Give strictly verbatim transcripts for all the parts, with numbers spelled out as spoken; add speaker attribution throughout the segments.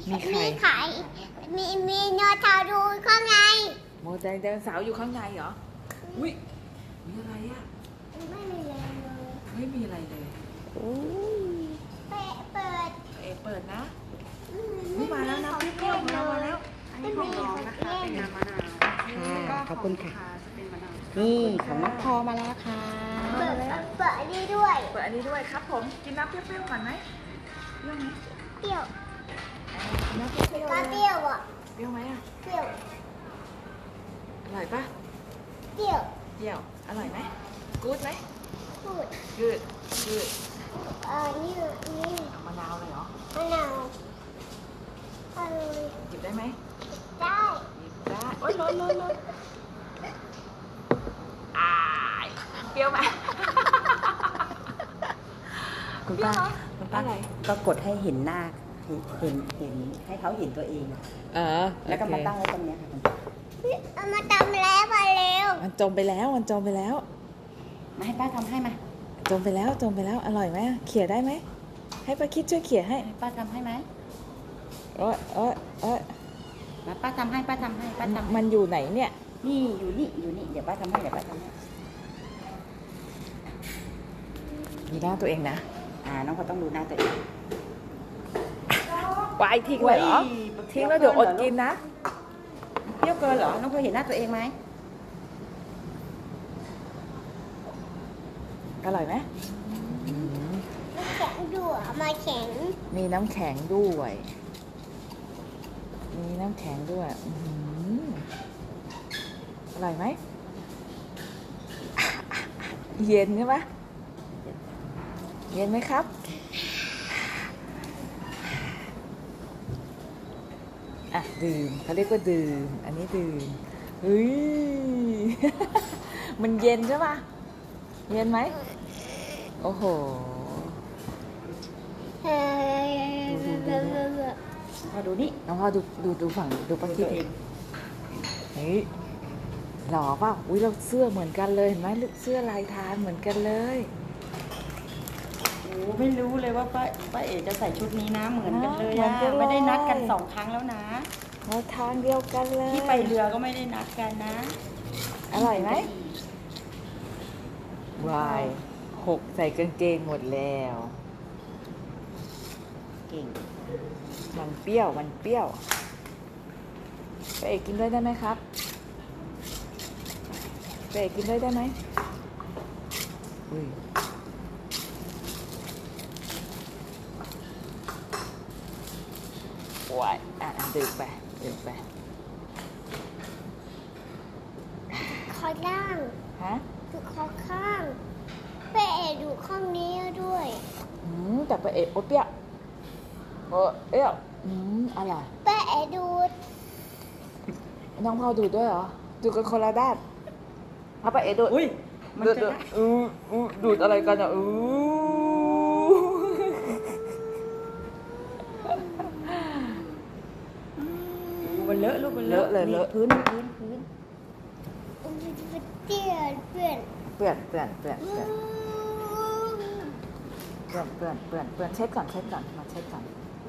Speaker 1: มีไข่
Speaker 2: มีไข่มีมีเนื้อเทาดูข้างใน
Speaker 1: โมไดโนเสาร์อยู่ข้างในเหรออุ้ยมีอะไรอ่ะ
Speaker 2: ไม่มีอะไรเลย
Speaker 1: ไม่มีอะไรเลยโอ้ย
Speaker 2: เปิดเปิด
Speaker 1: เอเปิดนะนี่มาแล้วนะเปรี้ยวๆของเรามาแล้ว
Speaker 3: อันนี้ของน้องนะคะ เป็นน้ำมะนาว
Speaker 4: ค่ะขอบคุณค่ะ
Speaker 3: จะเป็นมะนาว
Speaker 4: นี่ของน้องพอมาแล้วค่ะ
Speaker 2: เปิดเปิดอันนี้ด้วย
Speaker 1: เปิดอันนี้ด้วยครับผมกินน้ำเปรี้ยวๆก่อนไหมเปรี้ยวไหม
Speaker 2: เปรี้ยว
Speaker 1: กินน้ำเปรี้ยวๆ
Speaker 2: ก็
Speaker 1: เลย
Speaker 2: เปรี้ยวอ่ะ
Speaker 1: เปรี้ยวไหมอ่ะ
Speaker 2: เปรี้ยว
Speaker 1: อร่อยปะ
Speaker 2: เปรี้ยว
Speaker 1: เปรี้ยวอร่อยไหมกู๊ดไหม
Speaker 2: พูด
Speaker 1: กูดกูด
Speaker 2: เออนี่นี่
Speaker 1: มะนาวเลยเหรอ
Speaker 2: มะนาวอร่อย
Speaker 1: หยิบได้ไหม
Speaker 2: ได้
Speaker 1: หยิบได้โอ๊ยร้อนร้อนร้อนอายเปรี้ยวไหม
Speaker 4: คุณป้า
Speaker 1: เปรี้ยวเหรอ
Speaker 4: คุณป้า
Speaker 1: อะไร
Speaker 4: ก็กดให้เห็นหน้าเห็นเห็นเห็นให้เขาเห็นตัวเองอะ
Speaker 1: เออ
Speaker 4: แล้วก็มาตั้งไว้ตรงเนี้ยค่ะคุณป้า
Speaker 2: เอามาทำแล้วมาเร็ว
Speaker 1: มันจมไปแล้วมันจมไปแล้ว
Speaker 4: มาให้ป้าทำให้มา
Speaker 1: จมไปแล้วจมไปแล้วอร่อยไหมเขี่ยได้ไหมให้ป้าคิดช่วยเขี่ยให้
Speaker 4: ให้ป้าทำให้ไหม
Speaker 1: เอ้ยเอ้ยเอ้ย
Speaker 4: มาป้าทำให้ป้าทำให้ป้าทำให้
Speaker 1: มันอยู่ไหนเนี่ย
Speaker 4: นี่อยู่นี่อยู่นี่เดี๋ยวป้าทำให้เดี๋ยวป้าทำให้
Speaker 1: มีหน้าตัวเองนะ
Speaker 4: อ่าน้องเขาต้องดูหน้าตัวเอง
Speaker 1: วายทิ้งเลยเหรอทิ้งแล้วเดี๋ยวอดกินนะ
Speaker 4: เปรี้ยวเกินเหรอน้องเคยเห็นหน้าตัวเองไหม
Speaker 1: อร่อยไหม
Speaker 2: น้ำแข็งดูอ่ะมาแข็ง
Speaker 1: มีน้ำแข็งด้วย มีน้ำแข็งด้วยอื้อหืออร่อยไหมเย็นใช่ไหมเย็นไหมครับอ่ะดื่มเขาเรียกว่าดื่มอันนี้ดื่มเฮ้ย มันเย็นใช่ปะเย็นไหมโอ้โห
Speaker 2: เฮ้ย
Speaker 4: พอดูนี่
Speaker 1: น้องพ่อดูดูดูฝั่งดูปะคิดเองเฮ้ยหล่อเปล่าอุ้ยเราเสื้อเหมือนกันเลยเห็นไหมเสื้อลายทางเหมือนกันเลย
Speaker 4: โอ้ไม่รู้เลยว่าป้าป้าเอ๋จะใส่ชุดนี้นะเหมือนกันเลย
Speaker 1: เหมือ
Speaker 4: อะ
Speaker 1: นกันเลย
Speaker 4: ไม่ได้นัดกันสองครั้งแล้วนะ
Speaker 1: มาทางเดียวกันเลย
Speaker 4: ที่ไปเรือก็ไม่ได้นัดกันนะ
Speaker 1: อร่อยไหมวายหกใส่กางเกงหมดแล้ว
Speaker 4: เก่ง
Speaker 1: มันเปรี้ยวมันเปรี้ยวไปเอกกินด้วยได้ไหมครับไปเอกกินด้วยได้ไหมอุ้ย ว้ายอ่ะอ่ะดื่มไปดื่มไป
Speaker 2: คอล่าง
Speaker 1: ฮะ
Speaker 2: ดูคอข้างเปเอดูข้างนี้ด้วย
Speaker 1: อืมแต่ไปเอะโอเปรี้ยวโอเอ๊ะอืมอะไร
Speaker 2: เปเอดู
Speaker 1: น้องพอดูดด้วยเหรอดูกันคนละด้านเอาไปเอะดูด
Speaker 4: อุ้ยมัน
Speaker 1: ดูด
Speaker 4: จะ
Speaker 1: ดูด
Speaker 4: ได้
Speaker 1: อู้อู้ดูดอะไรกันอ่ะอู้
Speaker 4: มันเลอะลูกมันเลอะนี่พื้นพื้นพื้น
Speaker 2: เตี้ยเพื่อน
Speaker 1: เปื่อนเปื่อนเปื่อนเปื่อนเปื่อนเปื่อนเปื่อนเปื่อนเช็ดก่อนเช็ดก่อนมาเช็ดก่อน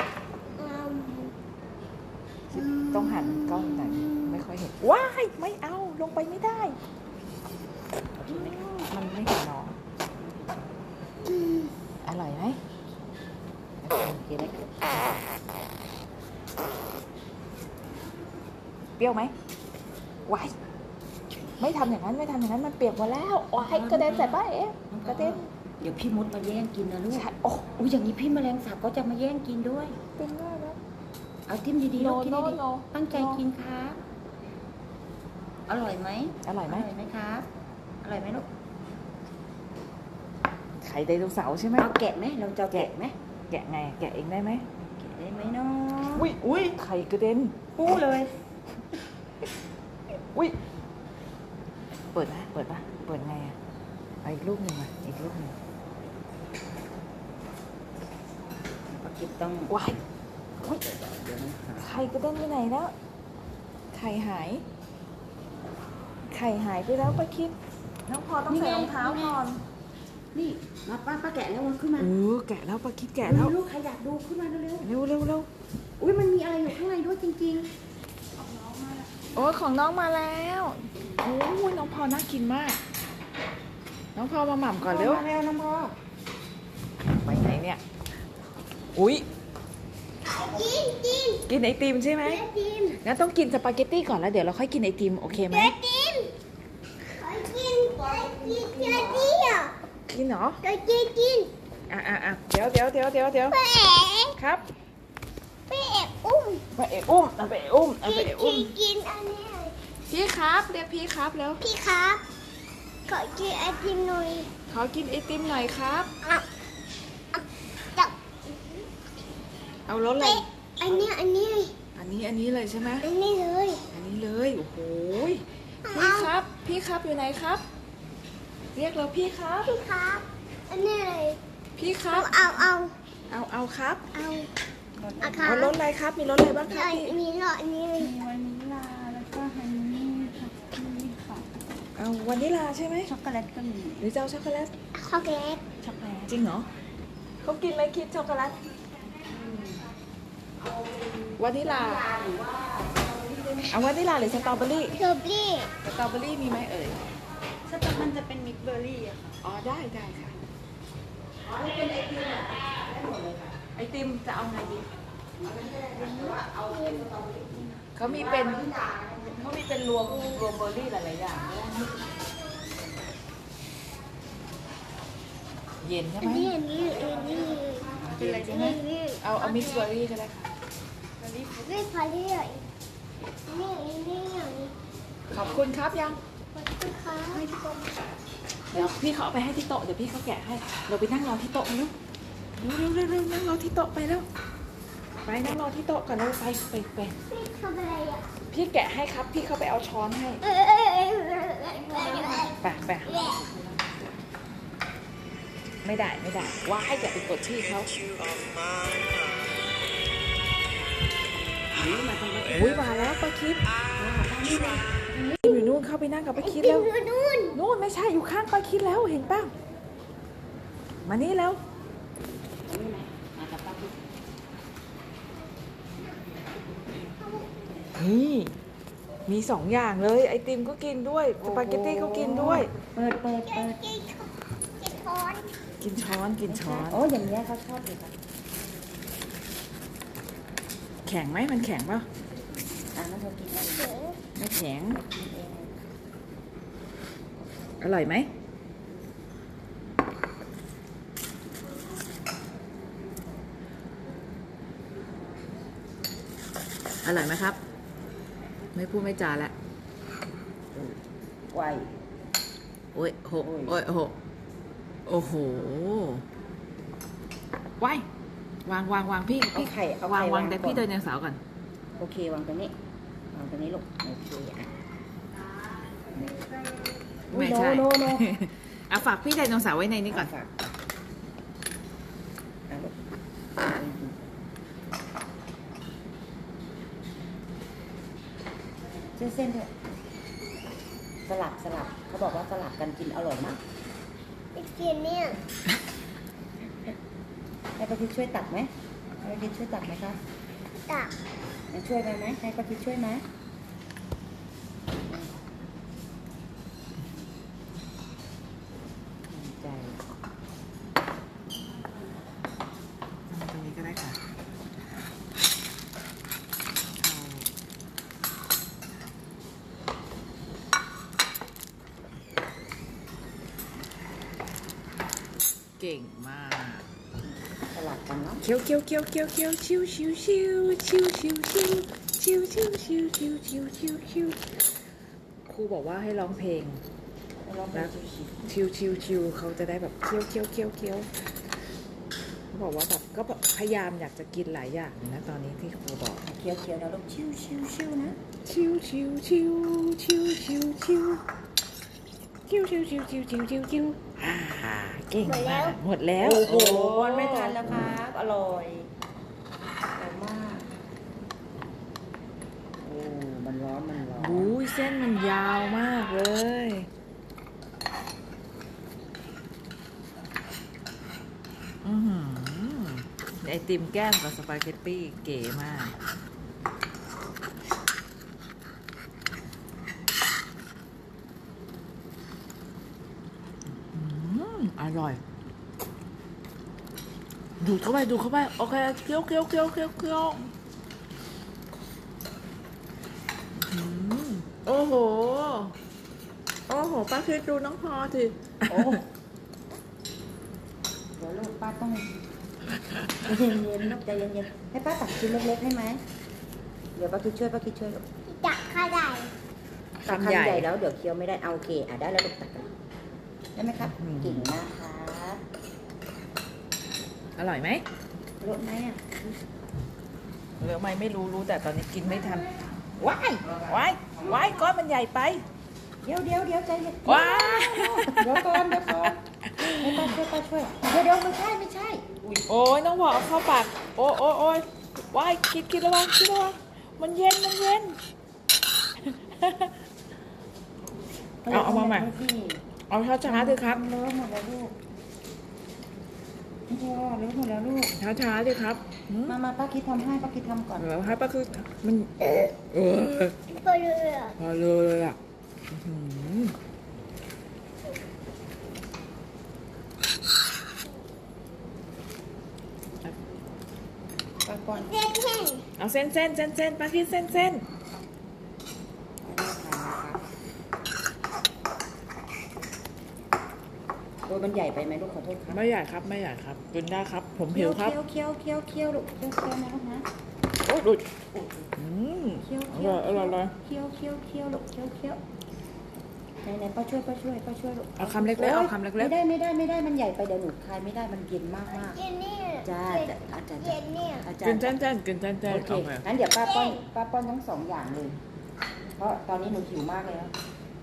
Speaker 1: ต้องหันกล้องหน่อยไม่ค่อยเห็นว้ายไม่เอาลงไปไม่ได้ มันไม่เห็นน้องอร่อยไหม
Speaker 4: โอเคได้ค่ะ
Speaker 1: เปรี้ยวไหมว้ายไม่ทำอย่างนั้นไม่ทำอย่างนั้นมันเปียกหมดแล้วว้ายกระเด็นใส่ป้าเอ๊ะกระเด็น
Speaker 4: เดี๋ยวพี่มดมาแย่งกินนะลูก
Speaker 1: ใช่โอ้
Speaker 4: อุ้ยอย่างนี้พี่แมลงสาบก็จะมาแย่งกินด้วย
Speaker 1: เป็นได้แล้ว
Speaker 4: เอาทิมดีๆ
Speaker 1: โน
Speaker 4: ลูกทิม
Speaker 1: โน
Speaker 4: ดี
Speaker 1: โน
Speaker 4: ๆตั้งใจกินครับอร่อยไหม
Speaker 1: อร่อยไหม
Speaker 4: อร่อยไหมครับอร่อยไหมลูก
Speaker 1: ไข่ไดโนเสาร์ใช่ไหม
Speaker 4: เอาแกะไหมเราจะเอาแกะไหม
Speaker 1: แกะไงแกะเองได้ไหม
Speaker 4: แกะได้ไหมเนาะ
Speaker 1: อุ้ยอุ้ยไข่กระเด็น
Speaker 4: ปูเลย
Speaker 1: อุ้ยเปิดนะเปิดปะเปิดไงอ่ะเอาอีกลูกหนึ่งมาอีกลูกหนึ่ง
Speaker 4: ปลาคิดต้อง
Speaker 1: ว้ายอุ้ย
Speaker 4: เดี๋ยวนะหา
Speaker 1: ไข่กระเด็นไปไหนแล้วไข่หายไข่หายไปแล้วป้าคิดน้องพอต้องใส่รองเท้าก่อน
Speaker 4: นี่มาป้าป้าแกะแล้วมันขึ้นมา
Speaker 1: เออแกะแล้วป้าคิดแกะแล้ว
Speaker 4: ลูกใครอยากดูขึ้นมาเร็ว
Speaker 1: เร็วเร็วเร็ว
Speaker 4: ๆอุ้ยมันมีอะไรจริง
Speaker 1: โอ้ยของน้องมาแล้วโอ้ยน้องพอน่ากินมาก น้องพอมาหม่ำ
Speaker 4: ๆ
Speaker 1: ก่อนเร็ว
Speaker 4: มาแล้วน้องพ่อ
Speaker 1: ไปไหนเนี่ย อุ้ย
Speaker 2: กินกิน
Speaker 1: กินไอติมใช่ไหม
Speaker 2: ไอติม
Speaker 1: งั้นต้องกินสปาเกตตี้ก่อนแล้วเดี๋ยวเราค่อยกินไอติมโอเคไหม
Speaker 2: ไอติมขอกินขอกินไอติมอ่ะ
Speaker 1: กินเหรอ
Speaker 2: ขอกินกิน
Speaker 1: อ่ะอ่ะอ่ะเดี๋ยวเดี๋ยวเดี๋ยวเดี๋ยวเดี๋ยว
Speaker 2: ไปเอ๋
Speaker 1: ครับ
Speaker 2: ไปเอ๋อุ้ม
Speaker 1: ไปเอะอุ้มเอาไปเอะอุ้มเอา
Speaker 2: กิ
Speaker 1: ไป
Speaker 2: น
Speaker 1: เอะ
Speaker 2: กิ
Speaker 1: อุ้ม
Speaker 2: นกินอันนี้
Speaker 1: พี่ครับเรียกพี่ครับแล้ว
Speaker 2: พี่ครับขอกินไอติมหน่อย
Speaker 1: ขอกินไอติมหน่อยครับ
Speaker 2: อ่ะอ่ะจับ
Speaker 1: เอารสอะไร
Speaker 2: ไปอันนี้อันนี้
Speaker 1: อันนี้อันนี้เลยใช่ไหม
Speaker 2: อันนี้เลย
Speaker 1: อันนี้เลยโอ้โหพี่ครับ พี่ครับอยู่ไหนครับ เรียกเราพี่ครับ
Speaker 2: พี่ครับอันนี้เลย
Speaker 1: พี่ครั
Speaker 2: เอา
Speaker 1: บ
Speaker 2: เอาเอา
Speaker 1: เอาเอาครับ
Speaker 2: เอาเอาครั
Speaker 1: เอา
Speaker 2: บ
Speaker 1: รสอะไรครับ มีรสอะไรบ้างครับ
Speaker 2: ไอ้
Speaker 1: พี่
Speaker 2: มีหลอดนี้เลย
Speaker 4: มีวานิลลาแล้วก็ฮันนี่ค่ะนี่ค่ะ
Speaker 1: เอาวานิลลาใช่ไหม
Speaker 4: ช็อกโกแลตก็มี
Speaker 1: หรือจะเอาช็อกโกแลต
Speaker 2: ช็อกโกแลต
Speaker 4: ช็อกโกแลต
Speaker 1: จริงเหรอเขากินไหมคิดช็อกโกแลตวานิลลาเอาวานิลลาหรือสตรอเบอรี่
Speaker 2: สตรอเบอรี่
Speaker 1: สตรอเบอรี่มีไหมเอ่ย
Speaker 4: สตรอมันจะเป็นมิกซ์เบอร์รี่อะค่ะ
Speaker 1: อ๋อได้ได้ค่ะอ๋อนี่เป็นไอติมอ่ะได้หมดเลยค่ะไอติมจะเอาไงดีเขามีเป็นเขามีเป็นรวมรวมเบอร์รี่หลายๆอย่างเย็นใช่
Speaker 2: อั
Speaker 1: ไห
Speaker 2: น
Speaker 1: ม
Speaker 2: นี้อันนี้อันนี้
Speaker 1: เป็นอะไร
Speaker 2: อั
Speaker 1: ใช่
Speaker 2: น
Speaker 1: ไหม
Speaker 2: นี้
Speaker 1: เอาเอามิกซ์เบอร์รี่ก็ได้ค่ะ
Speaker 2: ไม่พอดีเลยอันนี้อันนี้อย่างนี้
Speaker 1: ขอบคุณครับยัง
Speaker 2: ขอบคุณค่ะ
Speaker 1: เดี๋ยวพี่เขาเอาไปให้ที่โต๊ะเดี๋ยวพี่เขาแกะให้เราไปนั่งรอที่โต๊ะกันแล้วเร็วเร็วเร็วนั่งรอที่โต๊ะไปแล้วไปนั่งรอที่โต๊ะก่อนแล้วไปไปไป
Speaker 2: พี่ทำอะไรอ่ะ
Speaker 1: พี่แกะให้ครับพี่เขาไปเอาช้อนให้
Speaker 2: เอ้ยเอ้ยเอ้ยเอ้ยเอ้ย
Speaker 1: ไปไปไม่ได้ไม่ได้ว้ายอย่าไปกดชื่อเขาอุ้ยมาแล้วป้าคิดอยู่นู่นเข้าไปนั่งกับป้าคิด
Speaker 2: ติ
Speaker 1: แล้ว
Speaker 2: มอยู่นู่น
Speaker 1: นู่นไม่ใช่อยู่ข้างป้าคิดแล้วเห็นป่ะมานี่แล้วนี่มีสองอย่างเลยไอติมก็กินด้วยสปาเกตตี้ก็กินด้วย
Speaker 4: เปิดเปิด
Speaker 2: กิ
Speaker 4: เปิ
Speaker 2: น
Speaker 4: ด
Speaker 2: กินกินช้อน
Speaker 1: กินช้อนกินช้อน
Speaker 4: โอ้อย่างเงี้ยเขาชอบเลยค่ะ
Speaker 1: แข็งไหมมันแข็งป่ะ
Speaker 4: อ่ะงั้นเธอกินเอง
Speaker 2: เสือ
Speaker 1: ไม่แข็ง
Speaker 4: กินเอง
Speaker 1: อร่อยไหมอร่อยไหมครับ ไม่พูดไม่จาแล้ว
Speaker 4: ไว
Speaker 1: โอ้ยหก
Speaker 4: โอ้ย
Speaker 1: โอ้ยหกโอ้โหว้ายวางวางวางพี่
Speaker 4: เอา
Speaker 1: พี่
Speaker 4: ไข่เอา
Speaker 1: วา
Speaker 4: ไข่
Speaker 1: งวางแต่พี่
Speaker 4: ก่
Speaker 1: เดิ
Speaker 4: อน
Speaker 1: นยังสาวก่อน
Speaker 4: โอเควางตรงนี้วางตรงนี้ลูกโอเคอ่ะ
Speaker 1: ไม่ใช่
Speaker 4: โนโนโน
Speaker 1: เอาฝากพี่ไดโนเสาร์ไว้ในนี้ก่อน
Speaker 4: ฝากอ่ะลูกเส้นเส้นๆเถอะสลับสลับเขาบอกว่าสลับกันกินอร่อยมาก
Speaker 2: ไอติมเนี่ย
Speaker 4: ให้ป้าทิศช่วยตัดไหมให้ป้าทิศช่วยตัดไหมคะ
Speaker 2: ตัก
Speaker 4: ให้ช่วยไหมไหมให้ป้าทิศช่วยไหมใจ
Speaker 1: ตรงนี้ก็ได้ค่ะเก่งมาก
Speaker 4: สลับกันเนาะ
Speaker 1: เคี้ยวเคี้ยวเคี้ยวเคี้ยวเคี้ยวชิวชิวชิวชิวชิวชิวชิวชิวชิวชิวชิวชิวชิวครูบอกว่าให้ร้องเพลง
Speaker 4: ลองดูชิว
Speaker 1: ชิวชิวชิวเขาจะได้แบบเคี้ยวเคี้ยวเคี้ยวเคี้ยวเขาบอกว่าแบบก็แบบพยายามอยากจะกินหลายอย่างนะตอนนี้ที่ครูบอก
Speaker 4: ๆเคี้ยวเคี้ยวๆนะลูกชิวชิวชิวๆนะ
Speaker 1: ชิวชิวชิวชิวชิวชิวชิวชิวชิวชิวชิวชิวชิวอ่าเก่งมากหมดแล้ว
Speaker 4: โอ้โหวันไม่ทันแล้วครับอร่อยอร่อยมากโอ้มันร้อนมันร้อน
Speaker 1: อุ้ยเส้นมันยาวมากเลยอือหือไอติมแก้มกับสปาเกตตี้เก๋มากอร่อย ดูดเข้าไปดูดเข้าไปโอเคเคี้ยวเคี้ยวเคี้ยวเคี้ยวเคี้ยวอืมโอ้โหโอ้โหป้าคิดดูน้องพอสิ
Speaker 4: โอ้เดี๋ยวลูกป้าต้องใจเย็นๆลูกใจเย็นๆให้ป้าตักชิ้นเล็กๆให้ไหมเดี๋ยวป้าคิดช่วยป้าคิดช่วยลูก
Speaker 2: จักข้าได้
Speaker 4: ตักคำใหญ่แล้วเดี๋ยวเคี้ยวไม่ได้เอาโอเคอ่ะได้แล้วลูกตักกันได้ไหมครับเก่งมากครับ
Speaker 1: อร่อยไหม
Speaker 4: รสไหมอ่ะ
Speaker 1: หรือไม่ไม่รู้รู้แต่ตอนนี้กินไม่ทันว้ายว้ายว้ายก้อนมันใหญ่ไป
Speaker 4: เดี๋ยวเดี๋ยวเดี๋ยวใจเย็น
Speaker 1: ว้าย
Speaker 4: เดี๋ยวก่อนเดี๋ยวก่อนให้ป้าช่วยป้าช่วยเดี๋ยวเดี๋ยวไม่ใช่ไม่ใช่อุ้ย
Speaker 1: โอ้ยน้องพอเอาเข้าปากโอ้โอ้โอ้ยว้ายกินกินระวังกินระวังมันเย็นมันเย็น เอาเอามาใหม่ เอาช้าช้าๆสิครับ
Speaker 4: เลอะหมดแล้วลูกพ่อเลอะหมดแล้วลูก
Speaker 1: ช้าช้าๆสิครับหืม
Speaker 4: มามาป้าคิดทำให้ป้าคิดทำก่อน
Speaker 1: เดี๋ยวให้ป้าคือมันเออ
Speaker 2: ไปเลย
Speaker 1: พอเลยอ่ะอื้อหือ
Speaker 4: ป้าก่อน
Speaker 2: เด็กแห้ง
Speaker 1: เอาเส้นเส้นเส้นเส้นป้าคิดเส้นเส้น
Speaker 4: โอ้ยมันใหญ่ไปไหมลูกขอโทษครับ
Speaker 1: ไม่ใหญ่ครับไม่ใหญ่ครับกินได้ครับ ผมหิวครับ
Speaker 4: เคี้ยวเคี้ยวเคี้ยวเคี้ยวลูกเคี้ยวเคี้ยวนะลูกนะ
Speaker 1: โอ้ดูดอืม
Speaker 4: เคี้ยว
Speaker 1: อ
Speaker 4: เคี้ย
Speaker 1: ร่
Speaker 4: ว
Speaker 1: อยอร่อยอร่อย
Speaker 4: เคี้ยวเคี้ยวเคี้ยวลูกเคี้ยวเคี้ยวไหนไหนป้าช่วยป้าช่วยป้าช่วยลูก
Speaker 1: เอาคำเล็กๆเอาคำเล็ก
Speaker 4: ไม่ได้ไม่ได้ไม่ได้มันใหญ่ไปเดี๋ยวหนูคายไม่ได้มันเย็นมากมาก
Speaker 2: เย็นนี่
Speaker 4: จ้าจ้าอาจารย์
Speaker 2: เย็นนี่
Speaker 4: อา
Speaker 1: ๆ
Speaker 4: จาร
Speaker 1: กิน
Speaker 4: ย์
Speaker 1: เส้นเส้นกินเส้นเส้น
Speaker 4: โอเค
Speaker 1: โอเค
Speaker 4: งั้นเดี๋ยวป้าป้อนป้าป้อนทั้งสองอย่างเลย เพราะตอนนี้หนูหิวมากเลยแล้ว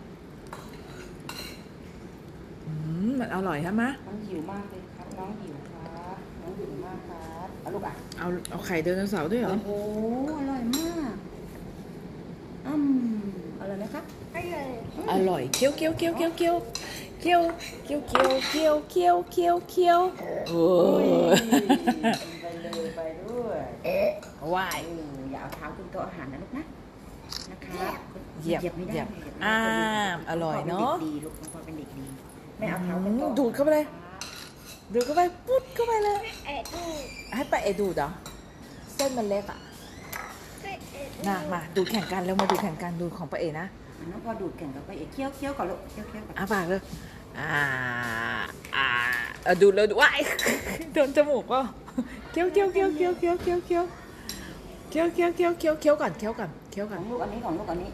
Speaker 1: อืมมันอร่อยใช่ไหม
Speaker 4: น้องหิวมากเลยครับ น้องหิวครับน้องหิวมากครับเอาลูกอ่ะ
Speaker 1: เอาเอาไข่ไดโนเสาร์ด้วยเหรอ
Speaker 4: โอ้โหอร่อยมากอืมอร่อยไหมครับ
Speaker 2: อร่อย
Speaker 1: อร่อยเคี้ยวเคี้ยวเคี้ยวเคี้ยวเคี้ยวเคี้ยวเคี้ยวเคี้ยวเคี้ยวเคี้ยวเคี้ยวเคี้ยวโอ้
Speaker 4: ย
Speaker 1: ย
Speaker 4: ไปเลยไปด้วย
Speaker 1: ว้าย
Speaker 4: เอออย่าเอาเท้าขึ้นโต๊ะอาหารนะลูกนะนะครับ
Speaker 1: เหยียบ
Speaker 4: ไม่ได้
Speaker 1: เหยียบ
Speaker 4: เหยียบไม่ได้
Speaker 1: อ่าอร่อยเนอะ
Speaker 4: ป็ด็กดีลูกน้องพลอยเป็นเด็กดีไม่เอาเท้าขึ้นโต๊ะ
Speaker 1: ดูดเข้าไปเลย ดูดเข้าไปปุ๊ดเข้าไปเลย
Speaker 2: เอ็ดดู
Speaker 1: ให้ป้าเอดูดเหรอเส้นมันเล็กอ่ะ
Speaker 2: เอ็ดดู
Speaker 1: น่ะมาดูแข่งกันแล้วมาดูแข่งกันดูของป้าเอนะ
Speaker 4: อ่ะน้องพลอยดูดแข่งกับไปเอกเคี้ยวเคี้ยวก่อนลูกเคี้ยวเคี้ยวก่อน
Speaker 1: อ่ะปากเลยอ่าอ่าเอาดูดเลยดูว้าย โดนจมูกก็เคี้ยวเคี้ยวเคี้ยวเคี้ยวเคี้ยวเคี้ยวเคี้ยวเคี้ยวเคี้ยวเคี้ยวเคี้ยวเคี้ยวก่อนเคี้ยวก่อนเคี้ยว
Speaker 4: ข
Speaker 1: ก่อ
Speaker 4: อน งลูกอันนี้ของลูกอันนี้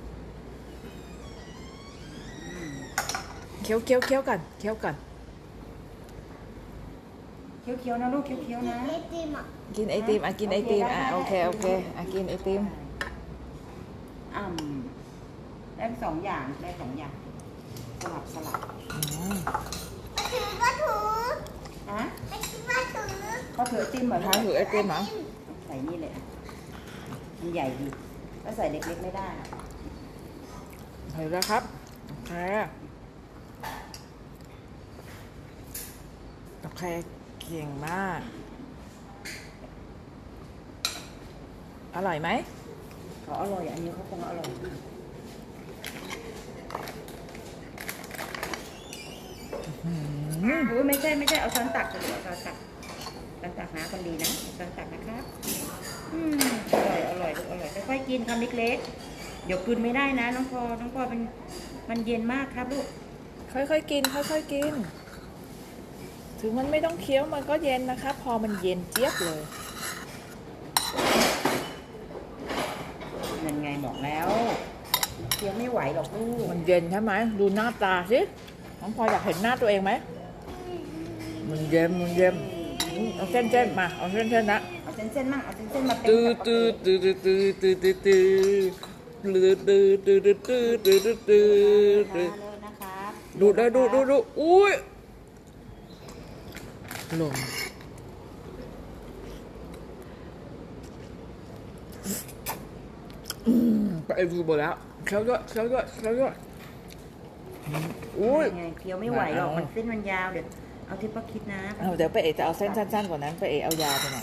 Speaker 1: เคี้ยวเคี้ยวเคี้ยวก่อนเคี้ยวก่อน
Speaker 4: เคี้ยวเคี้ยวนะลูกเคี้ยวเคี้ยวนะ
Speaker 2: เอ็ดดีมอ่ะ
Speaker 1: กินไอติมอ่ะกินไอติมอ่ะโอเคโอเคอ่ะกินไอติม
Speaker 4: อ่ำได้สองอย่างได้สองอย่างสลับสลับ
Speaker 1: อืม
Speaker 2: ถือก็ถือ
Speaker 4: อ่ะ
Speaker 2: ไอ้ที่ว่าถือ
Speaker 4: ก็ถือไอติมเหมือน
Speaker 1: ทานถือไอติมเหรอ
Speaker 4: ใส่นี่เลยอ่ะมันใหญ่ดีก็ใส่เล็กๆไม่ได้อ่ะ
Speaker 1: เห็นแล้วครับโอเคโอเคเก่งมากอร่อยไหม
Speaker 4: เขาอร่อยอันนี้เขาคงอร่อยอุ้ยไม่ใช่ไม่ใช่เอาช้อนตักเลยเอาช้อนตักช้อนตักนะคนดีนะช้อนตักนะครับอืมอร่อยอร่อยลูกอร่อยค่อยๆกินคำเล็กๆเดี๋ยวกลืนไม่ได้นะน้องพอน้องพอเป็นมันเย็นมากครับลูก
Speaker 1: ค่อยๆกินค่อยๆกิน ถึงมันไม่ต้องเคี้ยวมันก็เย็นนะคะพอมันเย็นเจี๊ยบเลย
Speaker 4: นั่นไงบอกแล้วเคี้ยวไม่ไหวหรอกลูก
Speaker 1: มันเย็นใช่ไหมดูหน้าตาสิน้องพลอยอยากเห็นหน้าตัวเองไหมมันเย็นมันเย็นอืมเอาเส้นเส้นๆมาเอาเส้นเส้นๆนะ
Speaker 4: เอาเส้นๆมั่งเอาเส้นๆมาเป็น
Speaker 1: ตื้อ
Speaker 4: กับ
Speaker 1: ตื้อตื้อตื้อตื้อตื้อตื้อตื้อตื้อตื้อตื้อตื้อตื้อตื้อตื้อ
Speaker 4: เลิศนะครับ
Speaker 1: ดูได้ดูดูดูอุ้ยลงอืมไปดูหมดแล้วเคี้ยวด้วยเคี้ยวด้วยเคี้ยวด้วยอุ้ย
Speaker 4: ไงเคี้ยวไม่ไหวหรอกมันเส้นมันยาวเดี๋ยวเอาที่ป้าคิดนะ
Speaker 1: เอาเดี๋ยวไปเอจะเอาเส้นสั้นๆกว่านั้นไปเอเอายาวไปหน่อย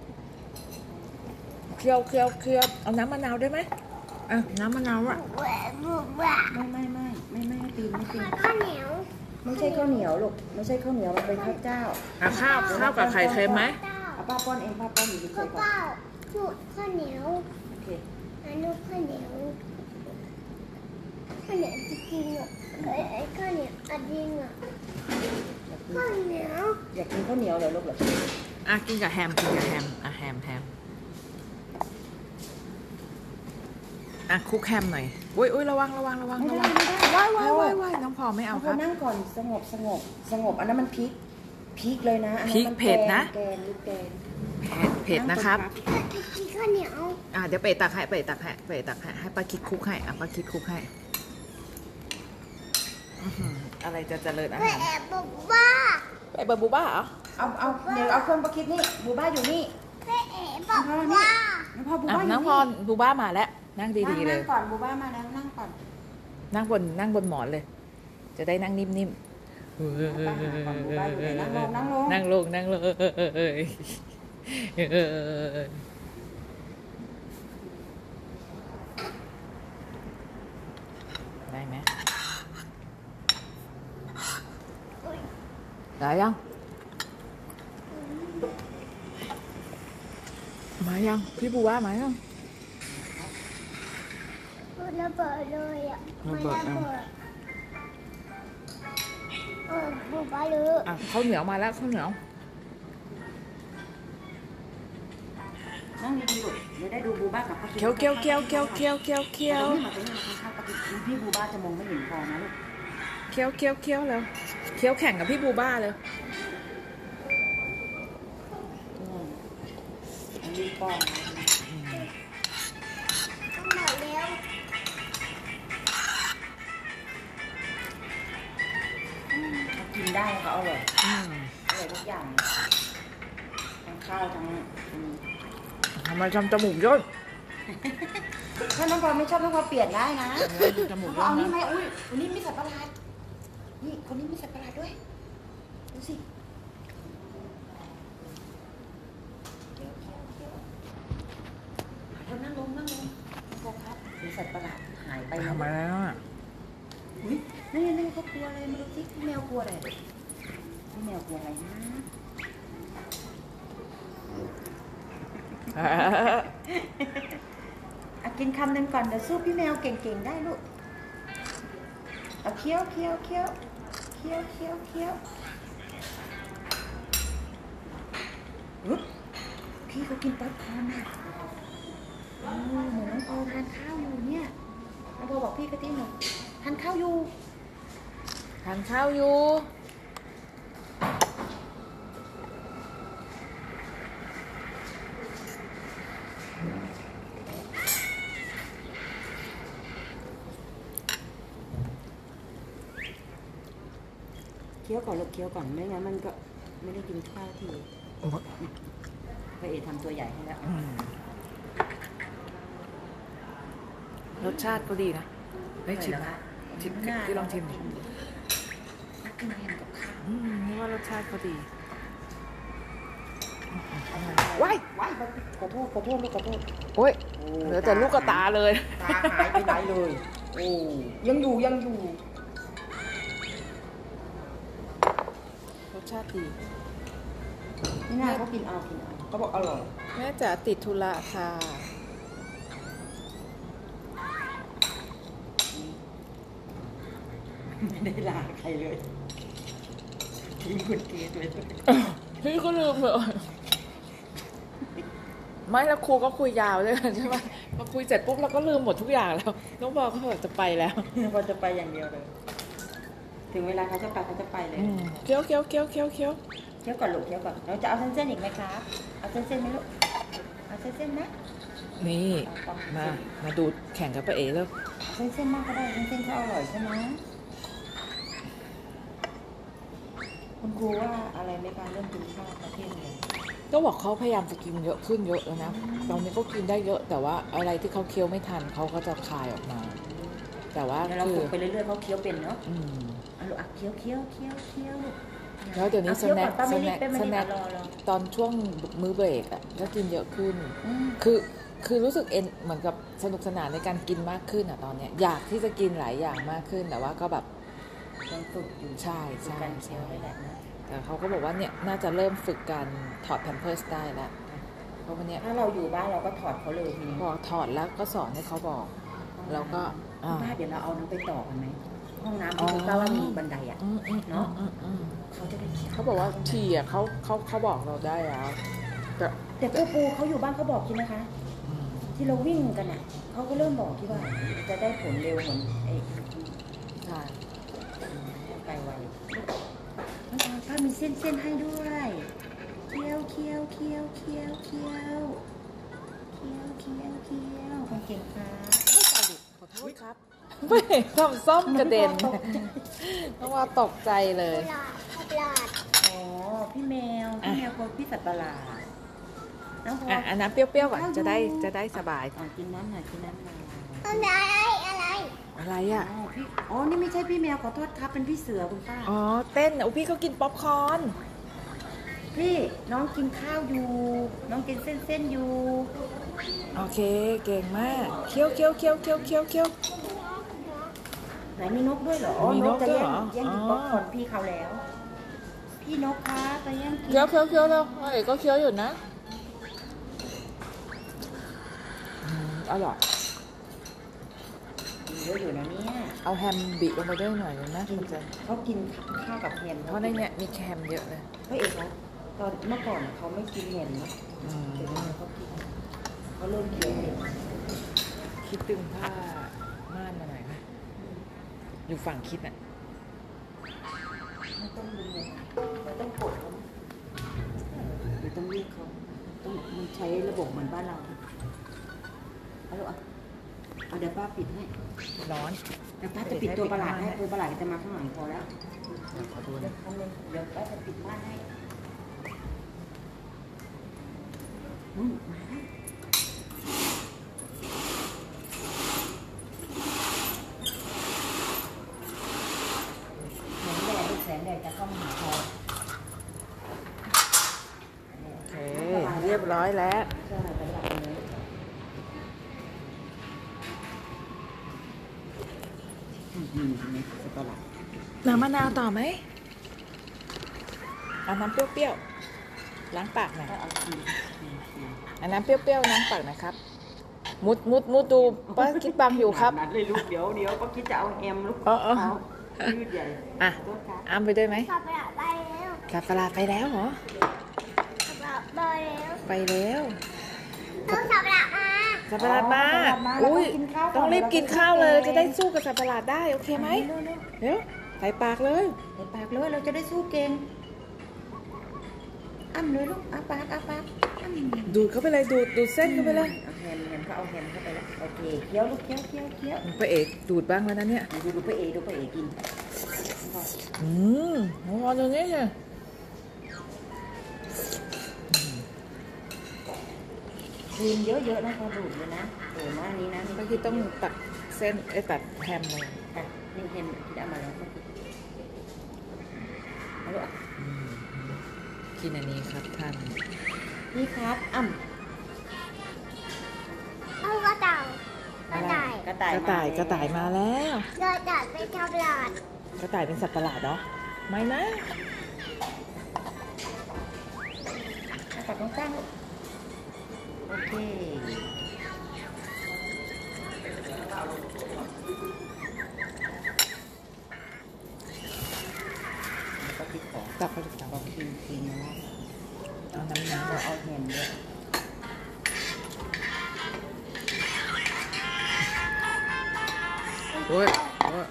Speaker 1: เคี้ยวเคี้ยวเคี้ยวเอาน้ำมะนาวได้ไหมอ่ะน้ำมะนาวอ่ะ
Speaker 2: แหวะบุบแหวะ
Speaker 4: ไม่ไม่ไม่ไม่ไม่ไม่ตีนไม่ตีน
Speaker 2: ข้าวเหนียว
Speaker 4: ไม่ใช่ข้าวเหนียวลูกไม่ใช่ข้าวเหนียวมันเป็นข้าวเจ้า
Speaker 1: อ่ะข้าวข้าวกับไข่เค็มไหม
Speaker 4: เอาป้าป้อนเองป้าป้อนอยู่เฉ
Speaker 2: ป้าย
Speaker 4: ๆก่อน
Speaker 2: ป้าหนูข้าวเหนียว
Speaker 4: โอเค
Speaker 2: อันนู้นข้าวเหนียวข้าวเหนียวจริงๆอ่ะไอ้ไอ้ข้าวเหนียวอันจริงอ่ะ
Speaker 4: อยากกิน
Speaker 2: ข้าวเหนียว
Speaker 4: อยากกินข้าวเหนียวเลยลูกเหรอ
Speaker 1: อ่ะกินกับแฮมกินกับแฮมอ่ะแฮมแฮมอ่ะคลุกแฮมหน่อยอุ้ยอุ้ยระวังระวังระวัง
Speaker 4: ไม่
Speaker 1: ระ
Speaker 4: ได้
Speaker 1: วัง
Speaker 4: ไม่ได้
Speaker 1: ว้ายว้ายว้ายว้ายน้องพอไม่เอา
Speaker 4: เอา
Speaker 1: ค
Speaker 4: พ
Speaker 1: รั
Speaker 4: อบ นั่งก่อนสงบสงบสงบอันนั้นมันพริกพริกเลยนะอันนั้น
Speaker 1: พริก
Speaker 4: มัน
Speaker 1: เผ็ดนะ
Speaker 4: แกงหรือแกง
Speaker 1: เผ็ดเผ็ดนะครับ
Speaker 2: ถ้าจะกินข้าวเหนียว
Speaker 1: อ่ะเดี๋ยวไปตักให้ไปตักให้ไปตักให้ให้ป้าคิดคลุกให้อ่ะป้าคิดคลุกให้อื้อหืออะไรจะเจริญอา
Speaker 2: แม่
Speaker 1: หาร
Speaker 2: แอบบอกว่า
Speaker 1: ไปเบอร์บูบ้าเหรอ
Speaker 4: เอาเอาเดี๋ยวเอาเครื่องประคิดนี่บูบ้าอยู่นี่
Speaker 2: แม่แอบบอกว่า
Speaker 4: น้องพอบู
Speaker 1: อ่ะ
Speaker 4: บ้าอยู่
Speaker 1: น้องพรบูบ้ามาแล้วนั่งดีๆเลย
Speaker 4: นั่งก่อนบูบ้ามาแล้วนั่งก่อน
Speaker 1: นั่งบนนั่งบนหมอนเลย จะได้นั่งนิ่มๆ
Speaker 4: นั่งลงนั่งลง
Speaker 1: นั่งลงนั่งลงได้ไหมได้ยัง มายัง พี่บูว่ามายัง
Speaker 2: ระเบิดเลยอ่ะ
Speaker 1: ระเบิดอ่ะ
Speaker 2: เออบุบไปเลย
Speaker 1: อ่ะข้าวเหนียวมาแล้วข้าวเหนียว
Speaker 4: นั่งดีๆลูกเดี๋ยวได้ดูบูบ้ากับป้าคิด
Speaker 1: เคี้ยวเคี้ยวเคี้ยวเคี้ยวเคี้ยวเคี้ยวเคี้ยว
Speaker 4: นี่มาเป็นข้าวป้าคิดพี่บูบ้าจะมองไม่เห็นพอนะลูก
Speaker 1: เคี้ยวเคี้ยวเคี้ยวแล้วเคี้ยวแข่งกับพี่บูบ้าเลย
Speaker 4: อันนี้ป้อน
Speaker 2: ต้องหมดแล้ว
Speaker 4: เขากินได้เขาอร่อย
Speaker 1: อืม
Speaker 4: อร่อยทุกอย่างทั้งข้าวทั้งอืม
Speaker 1: ทำไมทำจมูกย่น
Speaker 4: ถ้าน้องพอไม่ชอบน้องพอเปลี่ยนได้นะ
Speaker 1: จมูก
Speaker 4: น้องพอเอานี่
Speaker 1: ย่น
Speaker 4: ไหม
Speaker 1: นะ
Speaker 4: อุ้ยคนนี้มีสัตว์ประหลาดนี่คนนี้มีสัตว์ประหลาดด้วยดูสิเรานั่งลงนั่งลงพอครับมีสัตว์ประหลาดหายไป
Speaker 1: ทำไมแล้วอ่ะ
Speaker 4: อุ้ยนี่นี่เขากลัวอะไรมาดูสิพี่แมวกลัวอะไรพี่แมวกลัวอะไรนะอ่ะกินคำหนึ่งก่อนเดี๋ยวสู้พี่แมวเก่งๆได้ลูกเอาเคี้ยวเคี้ยวเคี้ยวเคี้ยวเคี้ยวเคี้ยวอุ๊ยพี่เขากินป๊อปคอร์นอ่ะโอ้เหมือนน้องปอทานข้าวอยู่เนี่ยน้องปอบอกพี่กะทิหน่อยทานข้าวอยู่
Speaker 1: ทานข้าวอยู่
Speaker 4: เคี้ยวก่อนลูกเคี้ยวก่อนไม่งั้นมันก็ไม่ได้กินข้าวทีพระเอกทำตัวใหญ่ให้แล้ว
Speaker 1: อืมรสชาติก็ดีนะได้ชิมนะชิมที่ลองชิมดิ
Speaker 4: นักกินแฮมกับข้าว
Speaker 1: อืมนี่ว่ารสชาติก็ดีว้าย
Speaker 4: ว้ายขอโทษขอโทษลูกขอโทษ
Speaker 1: โอ้ยเหลือแต่ลูกกระตาเลย
Speaker 4: ตาหายไปไหนเลยโอ้ยังอยู่ยังอยู่
Speaker 1: รสชาติดี
Speaker 4: นี่น่าเขากินเอากินเอาเขาบอกอร่อย
Speaker 1: แม่จ๋าติดธุระค่ะ
Speaker 4: ไม่ได้ลาใครเลยทิ้งคุณเกดเลย
Speaker 1: พี่ก็ลืมเลยไม่แล้วครูก็คุยยาวเลยใช่ไหมพอคุยเสร็จปุ๊บเราก็ลืมหมดทุกอย่างแล้วน้องบอกเขาบอกจะไปแล้ว
Speaker 4: พอจะไปอย่างเดียวเลย ถึงเวลาเขาจะไปเขาจะไปเลย
Speaker 1: อืมเคี้ยวเคี้ยวเคี้ยวเคี้ยวเคี้ยว
Speaker 4: เคี้ยวก่อนลูกเคี้ยวก่อนเราจะเอาเส้นๆอีกไหมครับเอาเส้นๆไหมลูกเอาเส้นๆไหม
Speaker 1: นี่มามาดูแข่งกับป้าเอ๋แล้ว
Speaker 4: เอาเส้นๆมากก็ได้เส้นๆเขาอร่อยใช่ไหมคุณครูว่าอะไรไหมคะเรื่องกินข้าวประเภทเรียน
Speaker 1: ก็บอกเขาพยายามจะกินเยอะขึ้นเยอะแล้วนะตอนนี้ก็กินได้เยอะ แต่ว่าอะไรที่เขาเคี้ยวไม่ทันเขาก็จะคายออกมา แต่ว่า
Speaker 4: เดี๋ยวเรา
Speaker 1: คือ
Speaker 4: ฝึกไปเรื่อยๆเขาเคี้ยวเป็นเนาะ
Speaker 1: อืม
Speaker 4: เอาลูกอ่ะเคี้ยวเคี้ยวเคี้ยวเคี้ยวลูก
Speaker 1: แล้วเดี๋ยวนี้
Speaker 4: อาคี้ยว
Speaker 1: สแน็ค
Speaker 4: ป้าไม่รีบ
Speaker 1: สแน็ค
Speaker 4: ป้าไม่รีบ
Speaker 1: สแน็ค
Speaker 4: รอรอ
Speaker 1: ตอนช่วงมื้อเบรกอ่ะก็กินเยอะขึ้น
Speaker 4: อืม
Speaker 1: คือคือรู้สึกเอนเหมือนกับสนุกสนานในการกินมากขึ้นอ่ะตอนเนี้ยอยากที่จะกินหลายอย่างมากขึ้นแต่ว่าก็แบบ
Speaker 4: ต้องฝึกอยู่
Speaker 1: ใช่ใช่
Speaker 4: ฝึกการเคี้ยวได้แหละนะ
Speaker 1: แต่เขาก็บอกว่าเนี่ยน่าจะเริ่มฝึกการถอดแพมเพิร์สได้แล้วเพราะวันเนี้ย
Speaker 4: ถ้าเราอยู่บ้านเราก็ถอดเขาเลยทีนี้
Speaker 1: พอถอดแล้วก็สอนให้เขาบอกแล้วก็อ่า
Speaker 4: บ้านเดี๋ยวเราเอาน้ำไปต่อกันไหมห้องน้ำที่คุณป้าว่ามีบันไดอ่ะ
Speaker 1: อืมอืม
Speaker 4: เนาะ
Speaker 1: อืมอืม
Speaker 4: เขาจะได้เคี้ยว
Speaker 1: เขาบอกว่าทีอ่ะเขาเขาเขาบอกเราได้แล้วแต่
Speaker 4: แต่ปูปูเขาอยู่บ้านเขาบอกใช่ไหมคะ
Speaker 1: อืม
Speaker 4: ที่เราวิ่งกันอ่ะเขาก็เริ่มบอกที่ว่าจะได้ผลเร็วเหมือนไอ้
Speaker 1: ใช่
Speaker 4: ไปไวป้ามีเส้นเส้นให้ด้วยเคี้ยวเคี้ยวเคี้ยวเคี้ยวเคี้ยวเคี้ยวเคี้ยวเคี้ยวคนเก่งค่ะ
Speaker 1: ขอโทษครับไม่ทำซ่อมกระเด็นเพราะว่าตกใจเลย
Speaker 2: ตลาดตลาด
Speaker 4: อ๋อพี่แมวพี่แมวคนพี่สัตว์ประหลาดน้องพอ
Speaker 1: อ่ะอันน้ำเปรี้ยวๆก่อนจะได้จะได้สบาย
Speaker 4: อ่ะกินน้ำหน่อยกินน้ำหน่อย
Speaker 2: อะไรอะไร
Speaker 1: อะไร
Speaker 4: อ๋
Speaker 1: อ่ะ
Speaker 4: อพี่อ๋อนี่ไม่ใช่พี่แมวขอโทษครับเป็นพี่เสือคุณป้า
Speaker 1: อ๋อเต้นโอ้พี่เขากินป๊อปคอร์น
Speaker 4: พี่น้องกินข้าวอยู่ น้องกินเส้นเส้นๆอยู่
Speaker 1: โอเคเก่งมากเคี้ยวเคี้ยวเคี้ยวเคี้ยวเคี้ยวเคี้ยว
Speaker 4: ไหนมีนกด้วยเหรออ๋อ
Speaker 1: มี
Speaker 4: น
Speaker 1: น
Speaker 4: ก
Speaker 1: ก
Speaker 4: จะ
Speaker 1: ด้วย
Speaker 4: แย่ง
Speaker 1: เหรอ
Speaker 4: แย่งกิน
Speaker 1: อ๋อ
Speaker 4: ป๊อปคอร์นพี่เขาแล้ว พี่นกคะไปแย่งกิน
Speaker 1: เคี้ยวเคี้ยวเคี้ยวแล้วเอ๋ก็เคี้ยวอยู่นะอืมอร่อย
Speaker 4: เยอะอยู่นะเนี่ย
Speaker 1: เอาแฮมบิลงไปด้วยหน่อยเลยนะคุณเจน
Speaker 4: เขากินข้าวกับแฮม
Speaker 1: เพราะในเนี้ยมีแฮมเยอะเลย
Speaker 4: พระเอกเขาตอนเมื่อก่อนเขาไม่กินแฮมนะ
Speaker 1: อืม
Speaker 4: เดี๋ยวนี้เขากินเขาเริ่มเคี้ยวเอง
Speaker 1: คิดตึงผ้าม่านมาหน่อยไหมอยู่ฝั่งคิดอ่ะ
Speaker 4: ไม่ต้องดึงเลยไม่ต้องกดเขาไม่ต้องเรียกเขาต้องมันใช้ระบบเหมือนบ้านเราเอาลูกอ่ะเอาเดี๋ยวป้าปิดให้
Speaker 1: ร้อน
Speaker 4: เดี๋ยวป้าจะปิดตัวประหลาดให้ตัวประหลาดจะมาข้างหลังพอแล้ว
Speaker 1: เดี๋ยวขอดู
Speaker 4: เดี๋ย
Speaker 1: นะ
Speaker 4: วทำเลยเดี๋ยวป้าจะปิดม่านให้อืมมาแล้วแสงแดดลูกแสงแดดจะเข้ามาหาเรา
Speaker 1: โอเคเรียบร้อยแล้ว
Speaker 4: ใช่ไปหลับเลยอืมนี่นี่สับปะรด
Speaker 1: น้ำมะนาวต่อไหมเอาน้ำเปรี้ยวๆล้างปากหน่อย
Speaker 4: ก็เอาทีทีที
Speaker 1: เอาน้ำเปรี้ยวๆล้างปากหนะครับ มุดมุดมุดดูป้าคิดบังอยู่ครับ
Speaker 4: นัดเลยลูกเดี๋ยวเดี๋ยวก็คิดจะเอาแฮมลูก
Speaker 1: เออเออ
Speaker 4: เอายืดใหญ่
Speaker 1: อ่ะ
Speaker 4: โทษครับ
Speaker 1: อ้ามไปด้วยไหม
Speaker 2: สับปะรดไปแล้ว
Speaker 1: สับปะรดไปแล้วเหรอ
Speaker 2: สับปะรดไปแล้ว
Speaker 1: ไปแล้ว
Speaker 2: ต้องสับปะรดมา
Speaker 1: สับปะรดมา
Speaker 4: สับปะรดมาแล้วก็
Speaker 1: อุ้ย
Speaker 4: กินข้าวก่อน
Speaker 1: ต้องรีบกินข้าวเลย จะได้สู้กับสับปะรดได้โอเคไหม
Speaker 4: เร็วเร็ว
Speaker 1: เร็วใส่ปากเลย
Speaker 4: ใส่ปากเลยเราจะได้สู้เก่งอ้ำเลยลูกอ้าปากอ้าปากอ้ำ
Speaker 1: ดูดเข้าไปเลยดูดดูดเส้นเข้าไปเลย
Speaker 4: เอาแฮมแฮมเขาเอาแฮมเข้าไปแล้วโอเคเคี้ยวลูกเคี้ยวเคี้ยวเคี้ยว
Speaker 1: พระเอกดูดบ้างแล้วนะเนี่ย
Speaker 4: ดูดูไปเอดูไปเอกิน
Speaker 1: อืมน้องพรตรงนี้เนี่ย
Speaker 4: ครีมเยอะๆนะพอดูดเลยนะโอ้หน้านี้นะ
Speaker 1: เมื่อกี้ต้องตัดเส้นไอ้ตัดแฮมเลย
Speaker 4: อ่ะนี่แฮมที่ได้มาแล้วก็เอาลูกอ่ะ
Speaker 1: อืมกินอันนี้ครับท่าน
Speaker 4: นี่ครับอ้ำ
Speaker 2: เอากระต่ายกระต่าย
Speaker 4: กระต่าย
Speaker 1: กระต่ายกระต่ายมาแล้ว
Speaker 2: กระต่ายไปทำหลาด
Speaker 1: กระต่ายเป็นสัตว์ประหลาดเหรอไม่นะ
Speaker 4: กระต่ายต้องตั้งลูกโอเคแล้วก็พริกของ
Speaker 1: ตับไปตับ
Speaker 4: เอาครีมครีมมาแล้ว
Speaker 1: เอาน้ำน้ำ
Speaker 4: เราเอาแฮมด้วย
Speaker 1: โอ้ยโอ้ย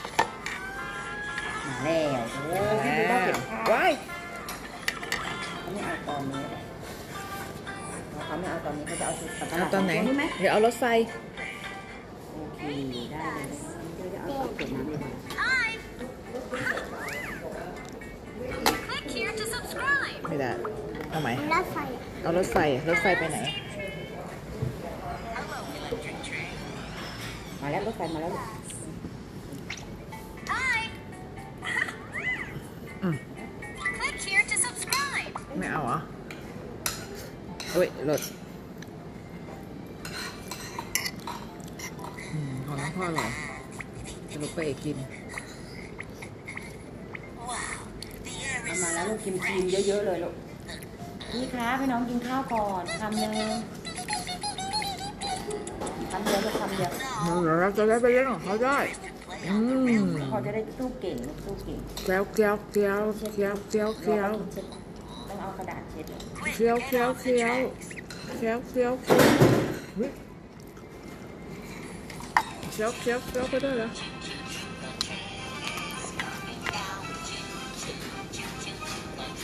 Speaker 4: มาแล้วโอ้ยพี่ดูว่าเก็บข้าว
Speaker 1: ว้าย
Speaker 4: เขาไม่เอาตอนนี้แหละเขาไม่เอาตอนนี้เขาจะเอาชุดสับปะร
Speaker 1: เอา
Speaker 4: ด
Speaker 1: ตอนไหน
Speaker 4: นี้ไหม
Speaker 1: เดี๋ยวเอารถไฟ
Speaker 4: โอเคได้เลยเดี๋ยวจะเอาเก็บน้ำเลยนะ
Speaker 1: ไม่ได้เอาไหม
Speaker 2: รถไฟ
Speaker 1: เอารถไฟรถไฟไปไหน
Speaker 4: มาแล้วรถไฟมาแล้วลูก
Speaker 1: อืมไม่เอาเหรอเฮ้ยรถอืมของน้องพ่ออร่อยจะลุกไปเอกกิน
Speaker 4: นะลูกกินครีมเยอะๆเลยลูกนี่ครับให้น้องกินข้าวก่อนคำหนึ่งคำเดียวลูกคำเดียว
Speaker 1: เดี๋ยวเราจะได้ไปเล่นของเขาได้อืม
Speaker 4: พอจะได้สู้เก่งลูกสู้เก่ง
Speaker 1: เคี้ยวเคี้ยวเคี้ยวเคี้ยวเคี้ยวเคี้ยว
Speaker 4: ต้องเอากระดาษเช็ด
Speaker 1: เคี้ยวเคี้ยวเคี้ยวเคี้ยวเคี้ยวเคี้ยวอุ๊ยเคี้ยวเคี้ยวเคี้ยวไปด้วยเหรอ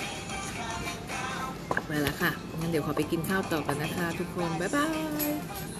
Speaker 1: ไปแล้วค่ะงั้นเดี๋ยวขอไปกินข้าวต่อกันนะคะทุกคนบ๊ายบาย